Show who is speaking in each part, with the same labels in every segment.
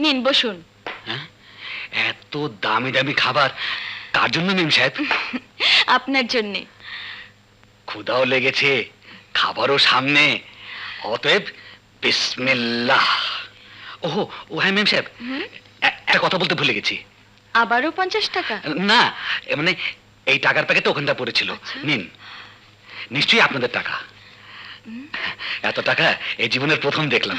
Speaker 1: নিন বসুন।
Speaker 2: হ্যাঁ, এত দামি দামি খাবার কার জন্য মেম সাহেব?
Speaker 1: আপনার জন্য।
Speaker 2: ক্ষুধাও লেগেছে, খাবারও সামনে, অতএব বিসমিল্লাহ। ওহো, ও হ্যাঁ মেম সাহেব, একটা কথা বলতে ভুলে গেছি।
Speaker 1: আবারও 50 টাকা?
Speaker 2: না, মানে এই টাকার প্যাকেটটা ওখানটা পড়েছিল। নিন, নিশ্চয়ই আপনাদের টাকা। এত টাকা এই জীবনের প্রথম দেখলাম।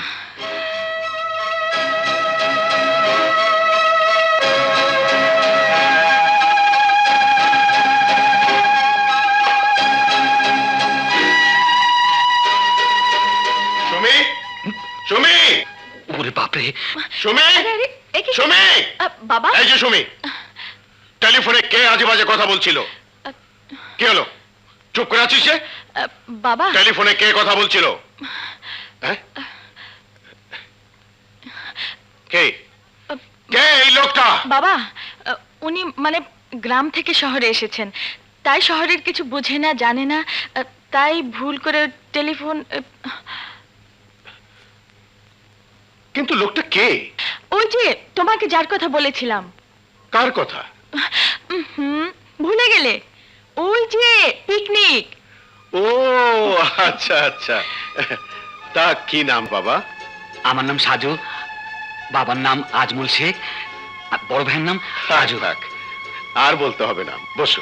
Speaker 3: সুমি, সুমি,
Speaker 2: ওরে বাপরে!
Speaker 3: সুমি, সুমি,
Speaker 1: বাবা।
Speaker 3: এই যে সুমি, টেলিফোনে কে আজে বাজে কথা বলছিল? কি হলো, চুপ করে আছিস যে?
Speaker 1: বাবা,
Speaker 3: টেলিফোনে কে কথা বলছিল? হ্যাঁ? কে কে এই লোকটা?
Speaker 1: বাবা, উনি মানে গ্রাম থেকে শহরে এসেছেন, তাই শহরের কিছু বোঝে না, জানে না, তাই ভুল করে টেলিফোন।
Speaker 3: কিন্তু লোকটা কে?
Speaker 1: ওই যে তোমাকে যার কথা বলেছিলাম।
Speaker 3: কার কথা?
Speaker 1: ভুলে গেলে? ওই যে পিকনিক।
Speaker 3: ও আচ্ছা আচ্ছা, তা কি নাম বাবা?
Speaker 2: আমার নাম সাজু, বাবার নাম আজমল শেখ, আর বড় ভাইয়ের নাম রাজু।
Speaker 3: থাক, আর বলতে হবে না, বসো।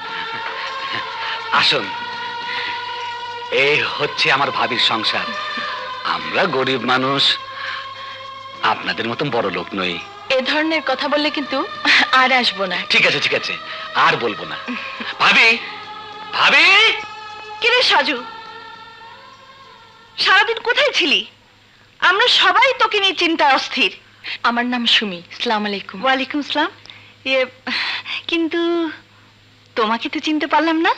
Speaker 2: আসুন, এই হচ্ছে আমার ভাবির সংসার। আমরা গরিব মানুষ, আপনাদের মতন বড় লোক নই।
Speaker 1: এ ধরনের কথা বললে কিন্তু আর আসবো না।
Speaker 2: ঠিক আছে ঠিক আছে, আর বলবো না। ভাবি, ভাবি!
Speaker 1: কিরে সাজু, সারাদিন কোথায় ছিলি? আমরা সবাই তোকে নিয়ে চিন্তায় অস্থির। আমার নাম সুমি। আসসালামু আলাইকুম। ওয়ালাইকুম আসসালাম। কিন্তু তোমাকে তো চিনতে পারলাম না।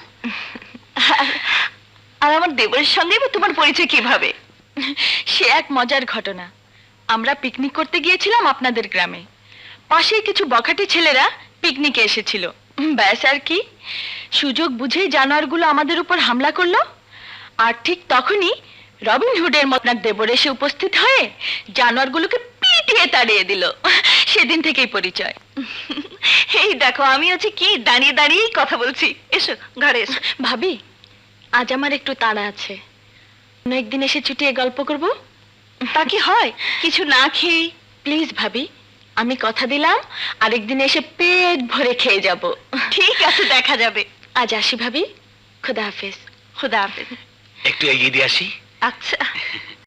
Speaker 1: আর আমার দেবরের সঙ্গে তোমার পরিচয় কিভাবে? সে এক মজার ঘটনা। আমরা পিকনিক করতে গিয়েছিলাম আপনাদের গ্রামে। পাশে কিছু বখাটে ছেলেরা পিকনিকে এসেছিল। ব্যাস আর কি, সুযোগ বুঝেই জানোয়ারগুলো আমাদের উপর হামলা করলো। আর ঠিক তখনই রবিন হুডের মতন দেবর এসে উপস্থিত হয়ে জানোয়ারগুলোকে পিটিয়ে তাড়িয়ে দিল। সেদিন থেকেই পরিচয়। এই দেখো, আমি হচ্ছে কি দাঁড়িয়ে দাঁড়িয়েই কথা বলছি। এসো ঘরে এসো। ভাবি, আজ আমার একটু তাড়া আছে, অন্য একদিন এসে ছুটিয়ে গল্প করব। তা কি হয়, কিছু না খেয়ে? প্লিজ ভাবি, আমি কথা দিলাম আরেকদিন এসে পেট ভরে খেয়ে যাব। ঠিক আছে, দেখা যাবে। আজ আসি ভাবি, খুদা হাফেজ। খুদা হাফেজ।
Speaker 2: একটু এগিয়ে দিয়ে আসি।
Speaker 1: আচ্ছা।